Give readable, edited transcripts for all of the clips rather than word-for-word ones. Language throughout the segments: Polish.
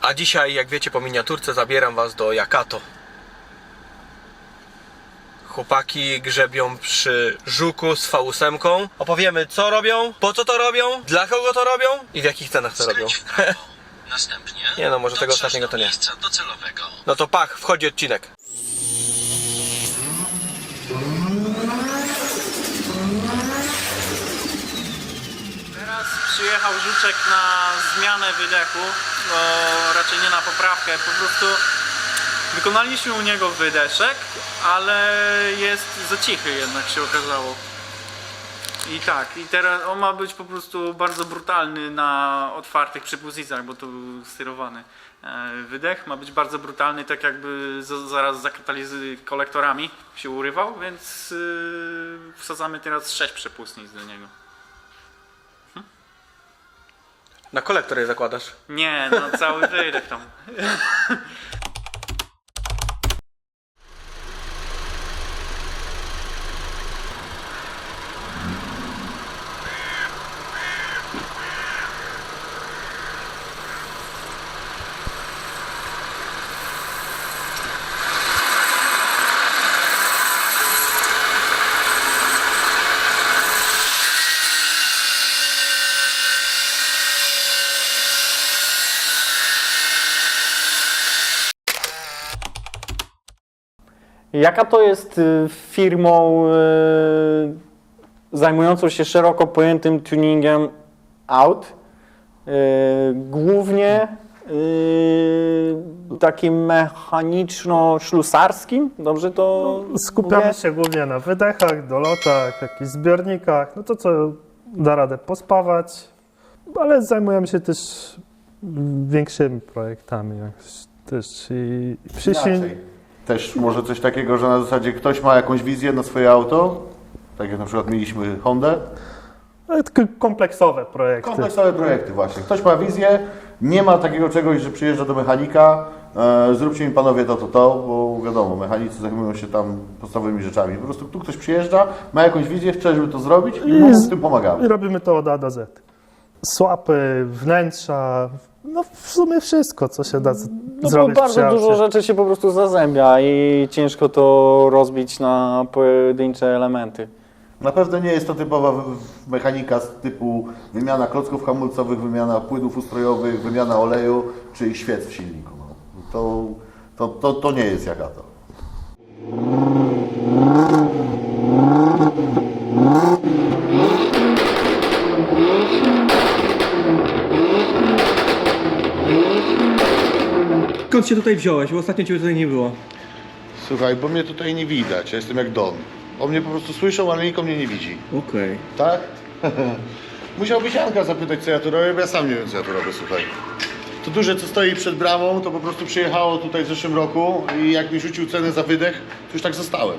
A dzisiaj, jak wiecie po miniaturce, zabieram was do Jakato. Chłopaki grzebią przy żuku z V8. Opowiemy, co robią, po co to robią, dla kogo to robią i w jakich cenach to robią. Następnie Nie no, może tego ostatniego to nie. miejsca docelowego. No to pach, wchodzi odcinek. Teraz przyjechał Żuczek na zmianę wydechu, bo raczej nie na poprawkę, po prostu wykonaliśmy u niego wydeszek, ale jest za cichy jednak się okazało. I tak, i teraz on ma być po prostu bardzo brutalny na otwartych przypustnicach, bo to był sterowany wydech, ma być bardzo brutalny, tak jakby zaraz za kolektorami się urywał, więc wsadzamy teraz 6 przepustnic do niego. Na kolektor je zakładasz? Nie, no cały wydech tam. Jakato jest firmą zajmującą się szeroko pojętym tuningiem aut, głównie takim mechaniczno-ślusarskim, dobrze to Skupiamy mówię? się głównie na wydechach, dolotach, jakichś zbiornikach, no to co da radę pospawać, ale zajmujemy się też większymi projektami też i Inaczej. Też może coś takiego, że na zasadzie ktoś ma jakąś wizję na swoje auto, tak jak na przykład mieliśmy Hondę. ale tylko kompleksowe projekty. Kompleksowe projekty właśnie. Ktoś ma wizję, nie ma takiego czegoś, że przyjeżdża do mechanika, zróbcie mi panowie to, bo wiadomo, mechanicy zajmują się tam podstawowymi rzeczami. Po prostu tu ktoś przyjeżdża, ma jakąś wizję, chce, żeby to zrobić i mu z tym pomagamy. I robimy to od A do Z. Słapy, wnętrza, no w sumie wszystko, co się da No bo zrobić bardzo przy dużo aucie. rzeczy się po prostu zazębia i ciężko to rozbić na pojedyncze elementy. Na pewno nie jest to typowa mechanika z typu wymiana klocków hamulcowych, wymiana płynów ustrojowych, wymiana oleju czy świec w silniku. No. To nie jest Jakato. Skąd się tutaj wziąłeś? Bo ostatnio ciebie tutaj nie było. Słuchaj, bo mnie tutaj nie widać, ja jestem jak Don. On mnie po prostu słyszał, ale nikt mnie nie widzi. Okej. Tak? Musiałbyś Janka zapytać, co ja tu robię, bo ja sam nie wiem, co ja tu robię, słuchaj. To duże, co stoi przed bramą, to po prostu przyjechało tutaj w zeszłym roku i jak mi rzucił cenę za wydech, to już tak zostałem.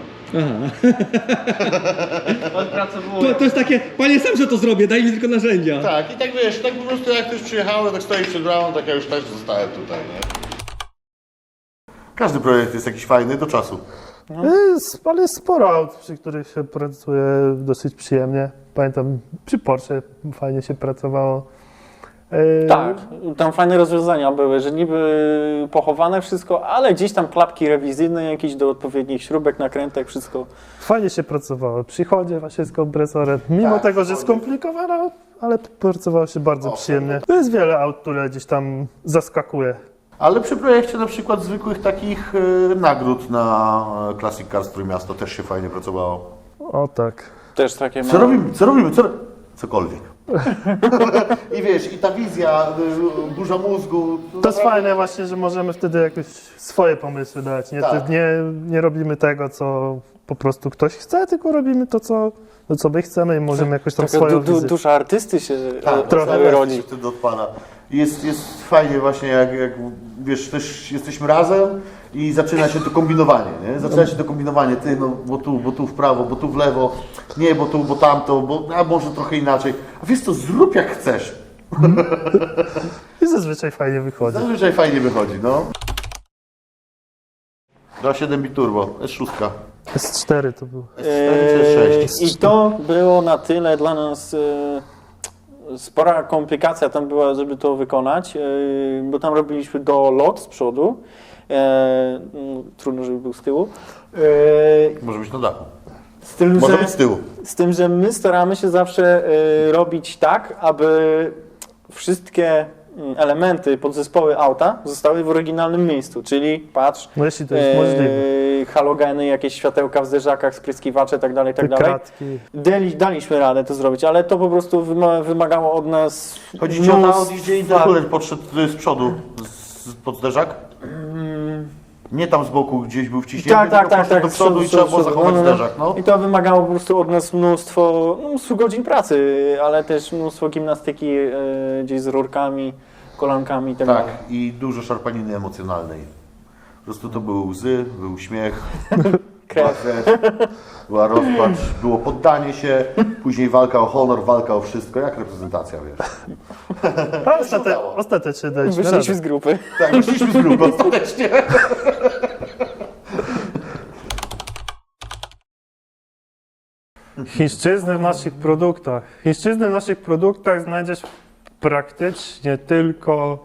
To jest takie, panie sam, że to zrobię, daj mi tylko narzędzia. Tak, i tak wiesz, tak po prostu jak ktoś przyjechało, tak stoi przed bramą, tak ja już też zostałem tutaj, nie? Każdy projekt jest jakiś fajny do czasu. Ale jest sporo aut, przy których się pracuje dosyć przyjemnie. Pamiętam, przy Porsche fajnie się pracowało. Tak, tam fajne rozwiązania były, że niby pochowane wszystko, ale gdzieś tam klapki rewizyjne, jakieś do odpowiednich śrubek, nakrętek, wszystko. Fajnie się pracowało. Przy Chodzie właśnie z kompresorem. Mimo Tak, tego, że skomplikowane, ale pracowało się bardzo przyjemnie. To jest wiele aut, które gdzieś tam zaskakuje. Ale przy projekcie na przykład zwykłych takich nagród na Classic Cars Trójmiasto też się fajnie pracowało. O tak. Też takie Co robimy? Cokolwiek. I wiesz, i ta wizja, dużo mózgu. To jest fajne właśnie, że możemy wtedy jakieś swoje pomysły dać. Tak. Nie robimy tego, co po prostu ktoś chce, tylko robimy to, co my chcemy i możemy jakoś tam taka swoją wizję. dusza artysty się trochę rodzi. wtedy odpala. Jest fajnie właśnie, jak wiesz, też jesteśmy razem i zaczyna się to kombinowanie, nie? Zaczyna się to kombinowanie, ty, no, bo tu w prawo, bo tu w lewo, nie, bo tu, bo tamto, a może trochę inaczej. A wiesz co, zrób jak chcesz. I zazwyczaj fajnie wychodzi. Zazwyczaj fajnie wychodzi, no. 2.7 bit turbo, S6. S4 to był. S4 czy S6? I to było na tyle dla nas spora komplikacja tam była, żeby to wykonać, bo tam robiliśmy dolot z przodu. Trudno, żeby był z tyłu. Może być na dachu. Z tym, Może że, być z tyłu. z tym, że my staramy się zawsze robić tak, aby wszystkie elementy, podzespoły auta zostały w oryginalnym miejscu, czyli patrz, No jeśli to jest możliwe. halogeny, jakieś światełka w zderzakach, spryskiwacze, tak dalej, tak Te dalej. kratki. Daliśmy radę to zrobić, ale to po prostu wymagało od nas Chodzi ci o to, mnóstwa- gdzie interkuler podszedł z przodu, pod zderzak? Nie tam z boku gdzieś był wciśnięty, tylko poszedł do przodu i trzeba było zachować zderzak. No. I to wymagało po prostu od nas mnóstwo godzin pracy, ale też mnóstwo gimnastyki gdzieś z rurkami, kolankami i tak Tak, dalej. i dużo szarpaniny emocjonalnej. Po prostu to były łzy, był śmiech, była krew, była rozpacz, było poddanie się, później walka o honor, walka o wszystko, jak reprezentacja, wiesz. A ostatecznie daliśmy Wyszliśmy radę. z grupy. Tak, wyszliśmy z grupy ostatecznie. Chińszczyzny w naszych produktach. Chińszczyzny w naszych produktach znajdziesz praktycznie tylko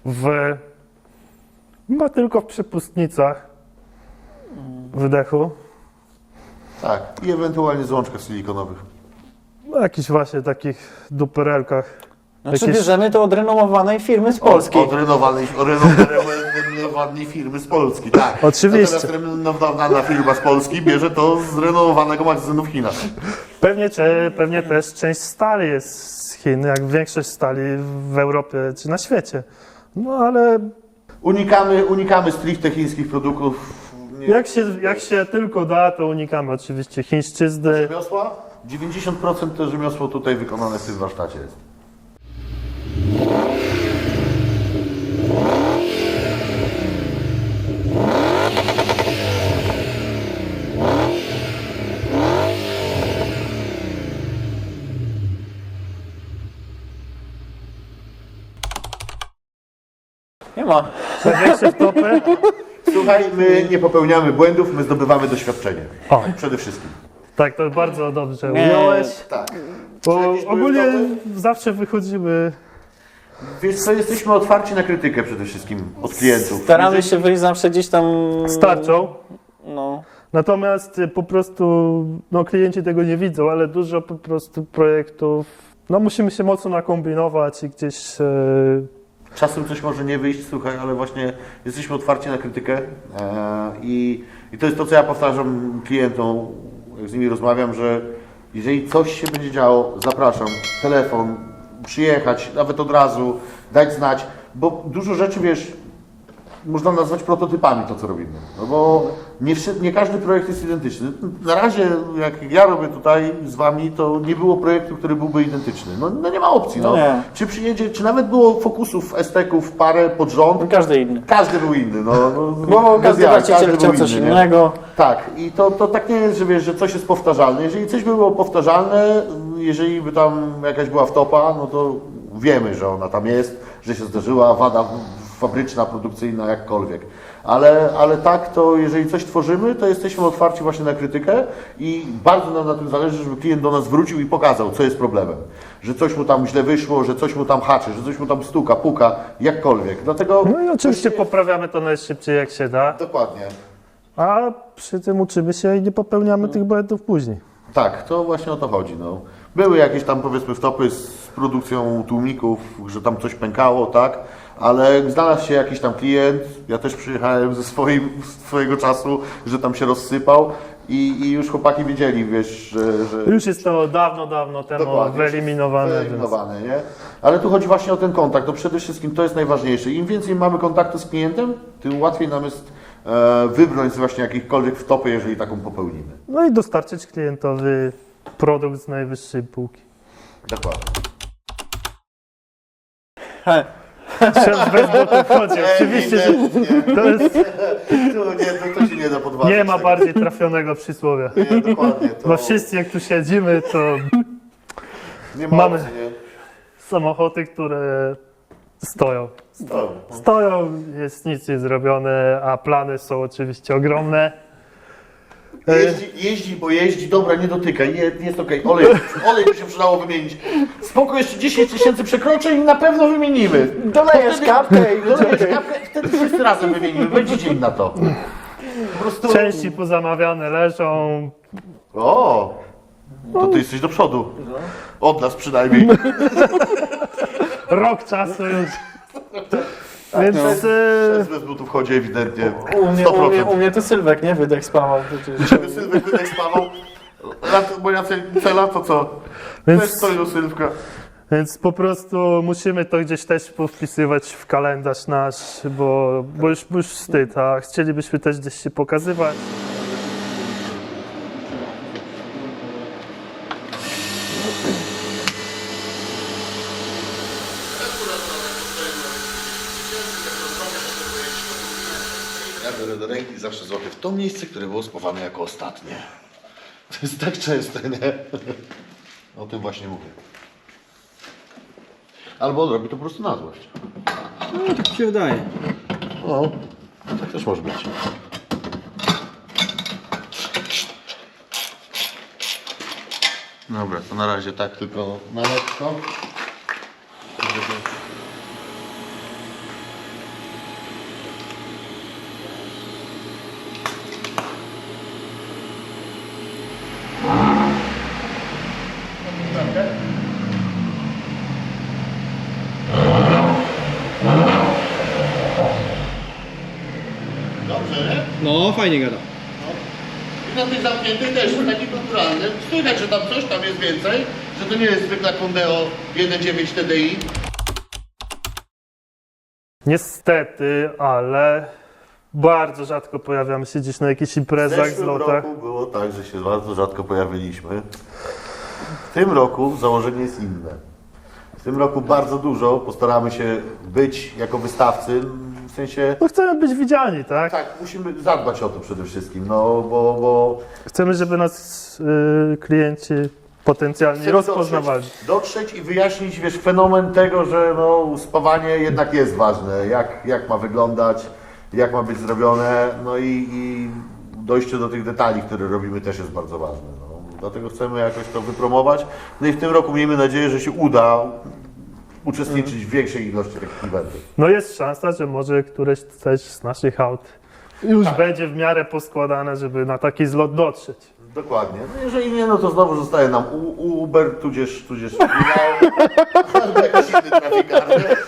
tylko w przepustnicach wydechu. Tak, i ewentualnie złączkach silikonowych. Jakichś właśnie takich duperelkach. Znaczy Jakieś- bierzemy to od renomowanej firmy z Polski. Od renomowanej firmy z Polski, tak. Oczywiście. Natomiast renomowana firma z Polski bierze to z renomowanego magazynu w Chinach. Pewnie też część stali jest z Chin, jak większość stali w Europie czy na świecie. No ale Unikamy stricte chińskich produktów. Nie, jak się tylko da, to unikamy oczywiście chińszczyzny. rzemiosła? 90% to rzemiosło tutaj wykonane w tym warsztacie jest. Nie ma. Największe wtopy. Słuchaj, my nie popełniamy błędów, my zdobywamy doświadczenie. O. Przede wszystkim. Tak, to bardzo dobrze Nie. ująłeś. Tak. Bo Jakieś były ogólnie wtopy? zawsze wychodzimy. Wiesz co, jesteśmy otwarci na krytykę przede wszystkim od klientów. Staramy się wyjść zawsze gdzieś tam... Starczą. No. Natomiast po prostu klienci tego nie widzą, ale dużo po prostu projektów. Musimy się mocno nakombinować i gdzieś. Czasem coś może nie wyjść, słuchaj, ale właśnie jesteśmy otwarci na krytykę i to jest to, co ja powtarzam klientom, jak z nimi rozmawiam, że jeżeli coś się będzie działo, zapraszam, telefon, przyjechać, nawet od razu, dać znać, bo dużo rzeczy, wiesz, można nazwać prototypami to, co robimy, no bo nie każdy projekt jest identyczny. Na razie, jak ja robię tutaj z Wami, to nie było projektu, który byłby identyczny. No nie ma opcji, no. Nie. Czy przyjedzie, czy nawet było fokusów, STK-ów parę pod rząd, Każdy inny. każdy był inny, no. Bo Bez każdy jaj, właściciel był chciał coś inny, nie? innego. Tak, i to tak nie jest, że wiesz, że coś jest powtarzalne. Jeżeli coś by było powtarzalne, jeżeli by tam jakaś była wtopa, no to wiemy, że ona tam jest, że się zdarzyła wada fabryczna, produkcyjna, jakkolwiek. Ale tak, to jeżeli coś tworzymy, to jesteśmy otwarci właśnie na krytykę i bardzo nam na tym zależy, żeby klient do nas wrócił i pokazał, co jest problemem. Że coś mu tam źle wyszło, że coś mu tam haczy, że coś mu tam stuka, puka, jakkolwiek. Dlatego... No i oczywiście poprawiamy to najszybciej jak się da, Dokładnie. a przy tym uczymy się i nie popełniamy tych błędów później. Tak, to właśnie o to chodzi. No. Były jakieś tam powiedzmy wtopy z produkcją tłumików, że tam coś pękało, tak, ale znalazł się jakiś tam klient, ja też przyjechałem ze swojego czasu, że tam się rozsypał i już chłopaki wiedzieli, wiesz, że Już jest to dawno temu dokładnie, wyeliminowane. wyeliminowane, nie? Ale tu chodzi właśnie o ten kontakt, to przede wszystkim to jest najważniejsze. Im więcej mamy kontaktu z klientem, tym łatwiej nam jest wybrnąć z właśnie jakichkolwiek wtopy, jeżeli taką popełnimy. No i dostarczyć klientowi produkt z najwyższej półki. Dokładnie. Chciałem bez butów chodzi. Oczywiście, że to jest, To się nie da podważyć. nie ma tego. bardziej trafionego przysłowia. Nie, dokładnie. To Bo wszyscy jak tu siedzimy, to nie ma mamy- opcji, nie? samochody, które stoją. Stoją. Stoją, jest nic nie zrobione, a plany są oczywiście ogromne. Jeździ, bo jeździ, dobra, nie dotykaj, jest okej. Olej by się przydało wymienić. Spoko, jeszcze 10 000 przekroczeń i na pewno wymienimy. Dolejesz kapkę i Dolejesz kapkę i wtedy wszyscy razem wymienimy, będzie dzień na to. Po prostu... Części pozamawiane leżą. O, to ty jesteś do przodu. Od nas przynajmniej. Rok czasu już. Więc Bez butów chodzi ewidentnie. U mnie to Sylwek, nie? Wydech spawał przecież. Żeby Sylwek wydech spawał. Moja cela to co? Więc- Też stoi do Sylwka. Więc po prostu musimy to gdzieś też powpisywać w kalendarz nasz, bo już wstyd, a chcielibyśmy też gdzieś się pokazywać. Ja biorę do ręki zawsze złapię w to miejsce, które było spawane jako ostatnie. To jest tak częste, nie? O tym właśnie mówię. Albo on robi to po prostu na złość. No, tak się wydaje. O, tak też może być. Dobra, to na razie tak tylko na lekko. Dobrze, nie? No, fajnie gada. I na tych zamkniętych też, taki naturalny. Słychać, że tam coś tam jest więcej, że to nie jest zwykła Condeo 1.9 TDI. Niestety, ale bardzo rzadko pojawiamy się gdzieś na jakichś imprezach, zlotach. roku było tak, że się bardzo rzadko pojawiliśmy. W tym roku założenie jest inne. W tym roku bardzo dużo postaramy się być jako wystawcy, w sensie... No chcemy być widziani, tak? Tak, musimy zadbać o to przede wszystkim, no bo Chcemy, żeby nas klienci potencjalnie chcemy rozpoznawali. dotrzeć i wyjaśnić, wiesz, fenomen tego, że no, spawanie jednak jest ważne, jak ma wyglądać, jak ma być zrobione, no i dojście do tych detali, które robimy, też jest bardzo ważne. No. Dlatego chcemy jakoś to wypromować. No i w tym roku miejmy nadzieję, że się uda uczestniczyć w większej ilości takich eventów. No jest szansa, że może któreś też z naszych aut już będzie w miarę poskładane, żeby na taki zlot dotrzeć. Dokładnie. No jeżeli nie, no to znowu zostaje nam Uber, tudzież albo jakiś inny trafikar.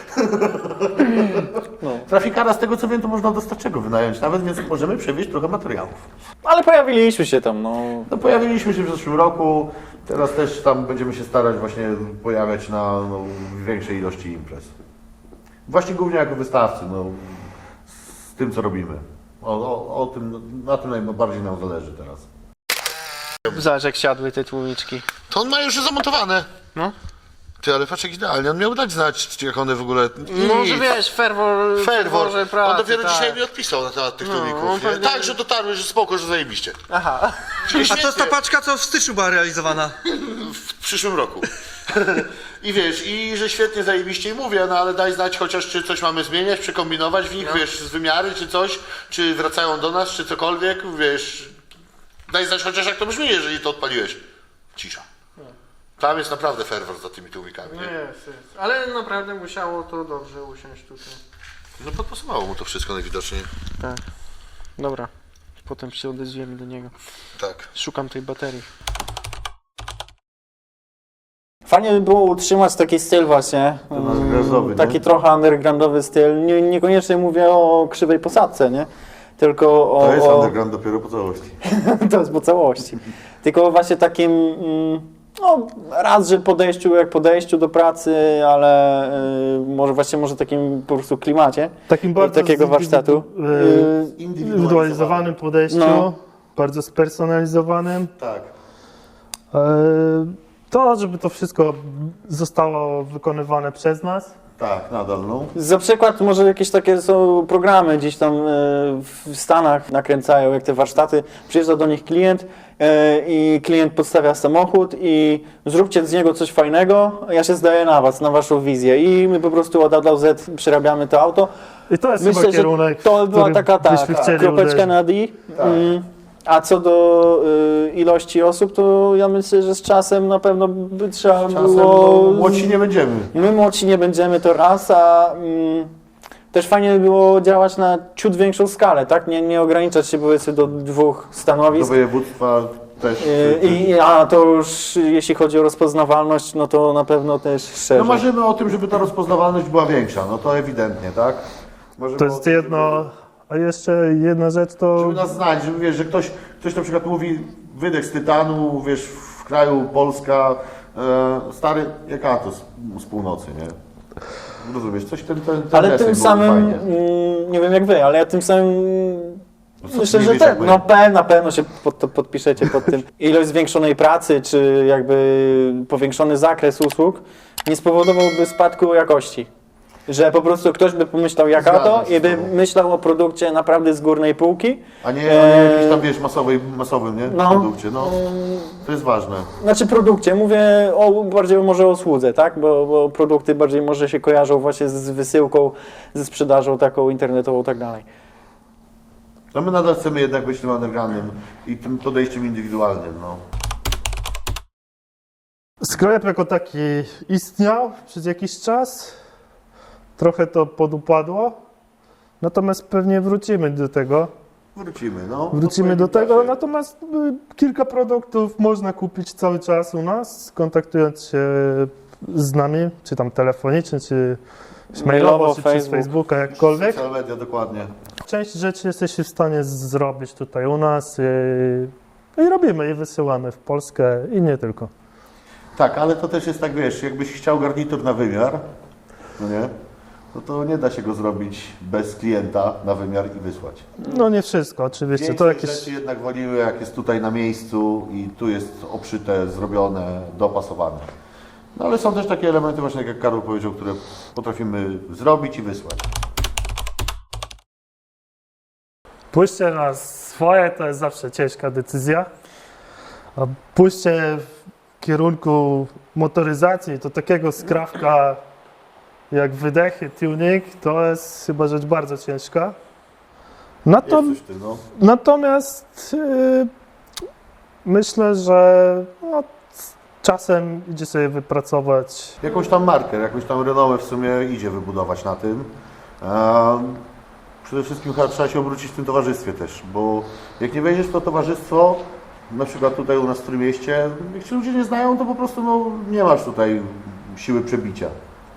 No. Trafikara, z tego co wiem, to można dostarczego wynająć nawet, więc możemy przewieźć trochę materiałów. Ale pojawiliśmy się tam, no. No pojawiliśmy się w zeszłym roku, teraz też tam będziemy się starać właśnie pojawiać na większej ilości imprez. Właśnie głównie jako wystawcy, no, z tym co robimy. O tym, na tym najbardziej nam zależy teraz. Zobacz jak siadły te tłumiczki. To on ma już zamontowane. No. Ty, ale patrz jak idealnie, on miał dać znać, jak one w ogóle... Może wiesz, ferwor pracy, On dopiero tak. dzisiaj mi odpisał na temat tych on tłumików. nie? pewnie- Tak, że dotarły, że spoko, że zajebiście. Aha. Czyli A to jest ta świetnie. paczka, co w styczniu była realizowana. W przyszłym roku. I wiesz, i że świetnie zajebiście i mówię, no ale daj znać chociaż, czy coś mamy zmieniać, przekombinować w nich, wiesz, z wymiary, czy coś, czy wracają do nas, czy cokolwiek, wiesz. Daj znać chociaż jak to brzmi, jeżeli to odpaliłeś. Cisza. Tam jest naprawdę ferwor za tymi tłumikami, nie? Jest. Ale naprawdę musiało to dobrze usiąść tutaj. No podpasowało mu to wszystko najwidoczniej. Tak. Dobra. Potem się odezwiemy do niego. Tak. Szukam tej baterii. Fajnie by było utrzymać taki styl właśnie, undergroundowy, nie? taki trochę undergroundowy styl, niekoniecznie mówię o krzywej posadce, nie? Tylko o... To jest o... underground dopiero po całości. To jest po całości. Tylko właśnie takim, no raz, że podejściu do pracy, ale może takim po prostu klimacie Takim bardzo takiego warsztatu. Indywidualizowanym podejściu, No. bardzo spersonalizowanym. Tak. To, żeby to wszystko zostało wykonywane przez nas. Tak, nadal, no. Za przykład może jakieś takie są programy gdzieś tam w Stanach nakręcają, jak te warsztaty, przyjeżdża do nich klient i klient podstawia samochód i zróbcie z niego coś fajnego, ja się zdaję na was, na waszą wizję i my po prostu od A do Z przerabiamy to auto. I to jest Myślę, chyba że kierunek, to była który taka byśmy chcieli kropeczka uderzyć. na D. A co do ilości osób, to ja myślę, że z czasem na pewno by trzeba Czasem było... no, młodsi nie będziemy. My młodsi nie będziemy, to raz, a też fajnie by było działać na ciut większą skalę, tak? Nie ograniczać się powiedzmy do 2 Do stanowisk. województwa też. A to już jeśli chodzi o rozpoznawalność, no to na pewno też szerzej. No marzymy o tym, żeby ta rozpoznawalność była większa, no to ewidentnie, tak? Marzymy To o jest tym, jedno, a jeszcze jedna rzecz to... Żeby nas znać, żeby wiesz, że ktoś na przykład mówi wydech z tytanu, wiesz, w kraju Polska, stary jak Atos z północy, nie? Rozumiesz, coś ten Ale deseń tym byłoby samym, fajnie. nie wiem jak wy, ale ja tym samym co myślę, ty że wiesz, jak my? na pewno się podpiszecie pod tym. Ilość zwiększonej pracy, czy jakby powiększony zakres usług nie spowodowałby spadku jakości. Że po prostu ktoś by pomyślał jak Zgadzam to się i z by tobą. myślał o produkcie naprawdę z górnej półki. A nie jakiś tam, wiesz, masowym, nie? No. Produkcie, no. To jest ważne. Znaczy produkcie, mówię bardziej może o usłudze, tak? Bo produkty bardziej może się kojarzą właśnie z wysyłką, ze sprzedażą taką internetową i tak dalej. No my nadal chcemy jednak być tym undergroundem i tym podejściem indywidualnym, no. Sklep jako taki istniał przez jakiś czas, trochę to podupadło, natomiast pewnie wrócimy do tego. Wrócimy, no. Wrócimy do tego, natomiast kilka produktów można kupić cały czas u nas, kontaktując się z nami, czy tam telefonicznie, czy mailowo, czy przez Facebooka, jakkolwiek. Social media, dokładnie. Część rzeczy jesteście w stanie zrobić tutaj u nas i robimy i wysyłamy w Polskę i nie tylko. Tak, ale to też jest tak, wiesz, jakbyś chciał garnitur na wymiar, no nie? No to nie da się go zrobić bez klienta na wymiar i wysłać. No nie wszystko, oczywiście. To Większość jakieś... rzeczy jednak woliły, jak jest tutaj na miejscu i tu jest obszyte, zrobione, dopasowane. No ale są też takie elementy właśnie, jak Karol powiedział, które potrafimy zrobić i wysłać. Pójście na swoje to jest zawsze ciężka decyzja, a pójście w kierunku motoryzacji, to takiego skrawka jak wydechy, tuning, to jest chyba rzecz bardzo ciężka. Jest coś w tym, no. Natomiast myślę, że no, czasem idzie sobie wypracować. Jakąś tam markę, jakąś tam renomę w sumie idzie wybudować na tym. Przede wszystkim chyba trzeba się obrócić w tym towarzystwie też, bo jak nie wejdziesz w to towarzystwo, na przykład tutaj u nas w Trójmieście, jak się ludzie nie znają, to po prostu no, nie masz tutaj siły przebicia.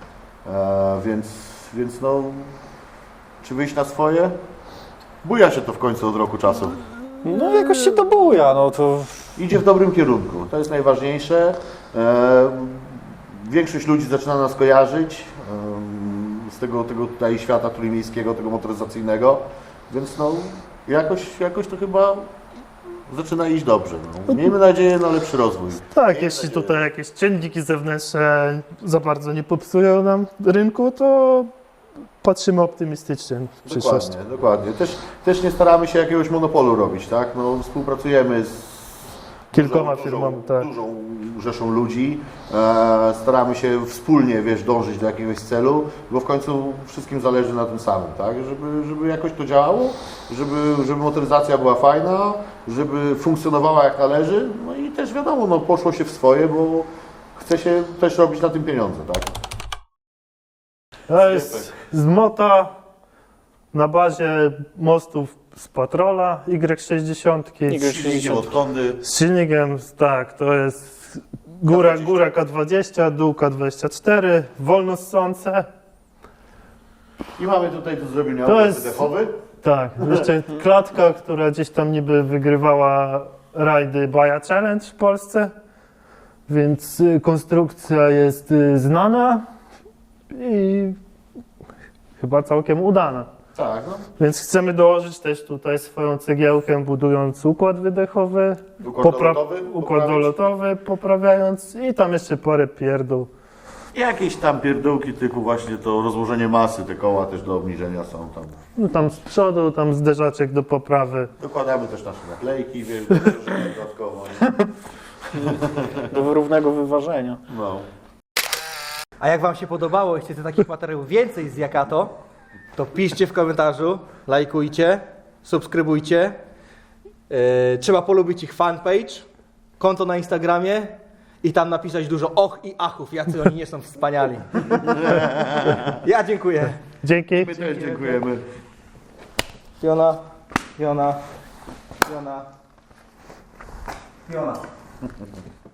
Więc no, czy wyjść na swoje? Buja się to w końcu od roku czasu. No jakoś się to buja, no to... Idzie w dobrym kierunku, to jest najważniejsze. Większość ludzi zaczyna nas kojarzyć z tego tutaj świata trójmiejskiego, tego motoryzacyjnego, więc no jakoś to chyba zaczyna iść dobrze. No. Miejmy nadzieję na lepszy rozwój. Tak, jeśli tutaj jakieś czynniki zewnętrzne za bardzo nie popsują nam rynku, to patrzymy optymistycznie w przyszłość. Dokładnie. Też nie staramy się jakiegoś monopolu robić, tak? No, współpracujemy z Kilkoma firmami, tak. dużą rzeszą ludzi. Staramy się wspólnie, wiesz, dążyć do jakiegoś celu, bo w końcu wszystkim zależy na tym samym, tak? Żeby jakoś to działało, żeby motoryzacja była fajna, żeby funkcjonowała jak należy, no i też wiadomo, no, poszło się w swoje, bo chce się też robić na tym pieniądze, tak? To jest z Mota na bazie mostów z Patrola Y60. Silnikiem od Hondy. Z silnikiem, tak, to jest góra K20, dół K24, wolno ssące. I mamy tutaj do zrobienia To opłat jest- wydechowy. Tak, jeszcze klatka, która gdzieś tam niby wygrywała rajdy Baja Challenge w Polsce, więc konstrukcja jest znana i chyba całkiem udana. Tak, no. Więc chcemy dołożyć też tutaj swoją cegiełkę, budując układ wydechowy, układ dolotowy, poprawiając i tam jeszcze parę pierdół. Jakieś tam pierdółki typu właśnie to rozłożenie masy, te koła też do obniżenia są tam. No tam z przodu, tam zderzaczek do poprawy. Dokładamy też nasze naklejki, wiesz, dodatkowo. do równego wyważenia. No. A jak Wam się podobało i chcecie takich materiałów więcej z Yakato, to piszcie w komentarzu, lajkujcie, subskrybujcie Trzeba polubić ich fanpage, konto na Instagramie i tam napisać dużo och i achów, jacy oni nie są wspaniali. Ja dziękuję. Dzięki. My też dziękujemy. Fiona, Fiona, Fiona, Fiona.